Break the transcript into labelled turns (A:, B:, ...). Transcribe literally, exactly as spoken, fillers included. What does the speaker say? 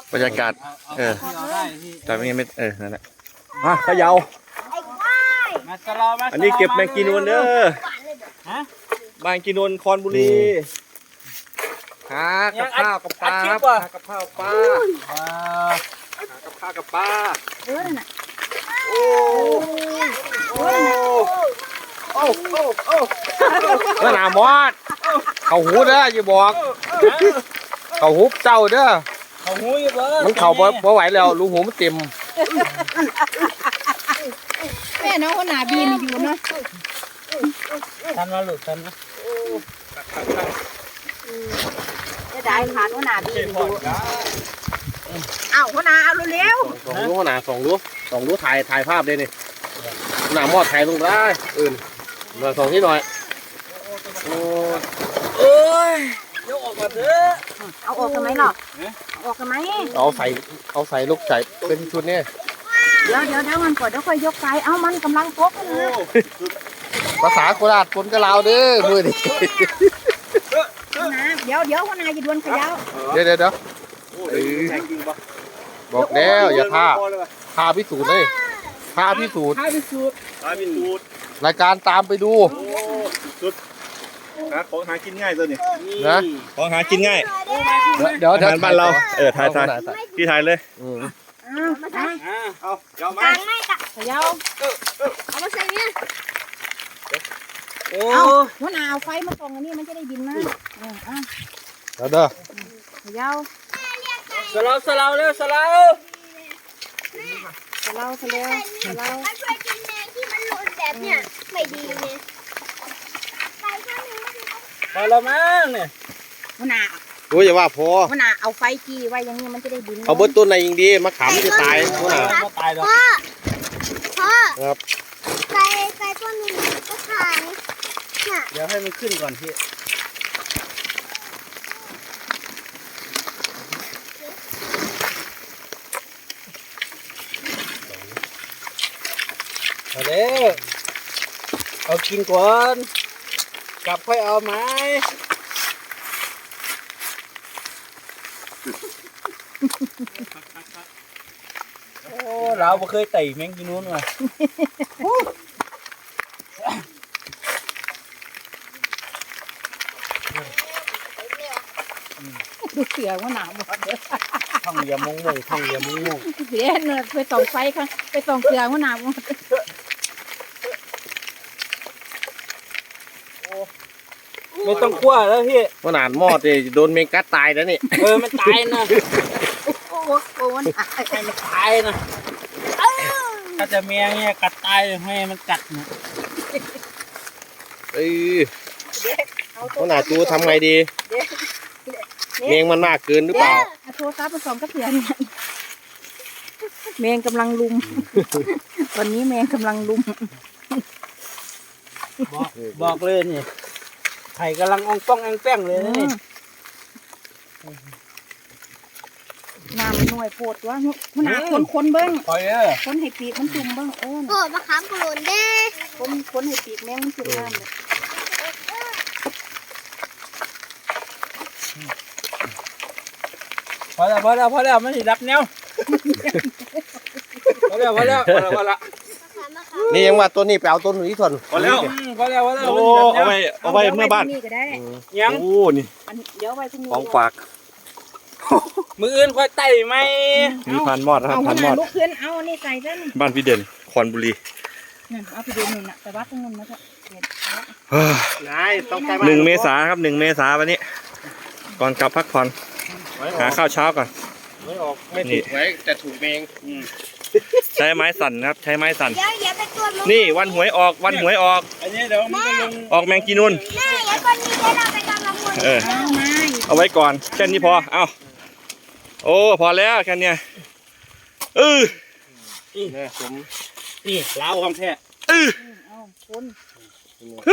A: บรรยากาศเออแต่ไม่ไม่เออนั่นแหละมาเขย่าอันนี้เก็บแมงกีนูนเด้อแมงกีนูนคอนบุรีหากับข้าวกับปลาหากับข้าวปลาหากับข้าวกับปลาโอ้โอ้โอ้โอ้โอ้เมื่อหนามอดเขาหูเด้ออย่าบอกเขาหูเจ้าเด้อเขาหูอยู่เบ้อมันเข่าพอไหวแล้วรูหูมันเต็ม
B: แม่น้องคนหนาบีนอยู่นะ
C: ทันมาหลุดทันนะ
B: จะได้ขาดคนหนาบีนอยู่เอาคนหนาเอาเร็ว
A: สองรู้คนหนาสองรู้สองรู้ถ่ายถ่ายภาพเลยนี่หนามอดถ่ายลงได้อื่นมาสองที่หน่อยโอ้
C: เอ้ยยกออกมาเถอะ
B: เอาออกกันไหมหรอออกกันไหม
A: เอาใส่เอาใส่ลูกใส่เป็นชุดนี่
B: เดี๋ยวเดี๋ยวเดี๋ยวมันก่อนเดี๋ยวค่อยยกไปเอามันกำลังพกนะ
A: ภาษาโคราชคนกะลาวเด้อมือดิ
B: นะเดี๋ยวเดี๋ยวคนนายจะดวลขยาว
A: เดี๋ยวเดี๋ยวเดี๋ยวบอกแล้วอย่าท่าท่าพิสูจน์เลยท่าพิสูจน์
C: ท่าพิสูจน์ท่าพิสูจน์
A: รายการตามไปดู
D: สุดหาของหากินง่ายตัวนี้
A: นะ
D: ของหากินง่าย
A: เดี๋ยวเดี๋ยว
D: บ้านเราเออถ่ายถ่ายพี่ถ่ายเลย
B: เอามาใส่
D: เอาเดี๋ยวมา
B: ไม่กะขยาวเอามาใส่เนี่ย
C: เอา
B: หัวหน้าเอาไฟมาส่องอันนี้มันจะได้บินนะ
A: เดี๋ยวเด้อ
B: ขยาว
C: สลาวสลาวเร็วสลาว
B: สลาวสลาวสลาว
E: มันช่วยกินแมงที่มันหล่นแบบเนี้ยไม่ดีเนี่ยไปข้างนึง
C: พอแล้วมั้งเนี่ย
B: หัวหน้า
A: โอ้ยอย่าว่าพอ
B: หัวหน้าเอาไฟจีไว้อย่างนี้มันจะได้บิน
A: เอาเบิ้ลต้นไหนยิงดีมะขามจะตายหัวหน้า
C: ตายแล้ว
E: พ่อพ่อ
A: ครับ
E: ไก่ไก่ตัวนึงก็ขาย
C: เนี่ยเดี๋ยวให้มันขึ้นก่อนพี่เอาเด้อเอากินก่อนกลับค่อยเอาไหมโอ้เราไม่เคยไต่แมงกินนู้นมา
B: ดูเสือว่าหนาวหมดเลย
C: ท่องเรือมงมงท่องเรือมงมง
B: เสียเนี่ยไปส่องไฟค่ะไปส่องเสือว่าหนาวหมด
C: ไม่ต้องคั่วแล้วพี่
A: หัวหน้าหม้อจะโดนเมกัสตายแล้วนี่
C: เออมันตายนะ
B: โอ้โหโอ้มันตาย
C: มันตายนะถ้าจะแมงเนี่ยกัดตายให้มันกัดนะ
A: เอ้ยหัวหน้าจูทำไงดีเมงมันมากเกินหรือเปล่า
B: โทรศัพท์ผสมกับเสือเนี่ยแมงกำลังลุมวันนี้แมงกำลังลุม
C: บอกบอกเลยนี่ไข่กำลังอ่องป้องแองแป้งเลยนี่
B: น้ำมันหน่วยโปวดวะมันหนาคนคนเบิ้งคนให้ปีกมันจุ่มเบิ้งเออ
E: โกรธมะขามกระโดดเด้
B: คนคนให้ปีกแมงมันจุ่มน้ำเลย
C: พอแล้วพอแล้วพอแล้วไม่ได้รับแนวพอแล้วพอแล้วพอแล้วพอแล้ว
A: นี่ยังว่าต้นนี้ไปเอาต้นนี้ส่วน
D: พอแล้ว
C: พอแล้วพอแล้ว
D: โอ้เอาไปเอาไปเมื่อบ้าน
C: ยัง
D: โอ้นี่
B: เดี๋ยวไว้พรุ่งนี้
A: ของฝาก
C: มืออื่นค่อยไต่ไหม
D: มีพันมอดครับพันมอด
B: ลูกขึ้นเอานี่ใส่ซะนี่
D: บ้านพี่เด่นคอนบุรี
B: นั่นเอาพี่เด่นหนึ่งน่ะแต่ว่าตรงนั้นนะจ๊ะ
A: นายต้องใจ
D: หนึ่งเมษาครับหนึ่งเมษาวันนี้ก่อนกลับพักผ่อนหาข้าวเช้าก่อน
A: ไม่ออกไม่ถูกไว้แต่ถูกเมง
D: ใช้ไม้สั่นครับใช้ไม้สั่น
E: เดี๋ยวอย่าไปตัวมึง
D: นี่วันหวยออกวันหวยออก
C: อันนี้เดี๋ยวมันจะลง
D: ออกแมงกีนูน
E: แม่อย่าคนนี้เดี๋ยวเราไปกำลังคน
D: เออเอาไว้ก่อนแค่นี้พอเอาโอ้พอแล้วแค่นี้เออ
C: นี่ผมนี่เล้าของแท้
D: เออ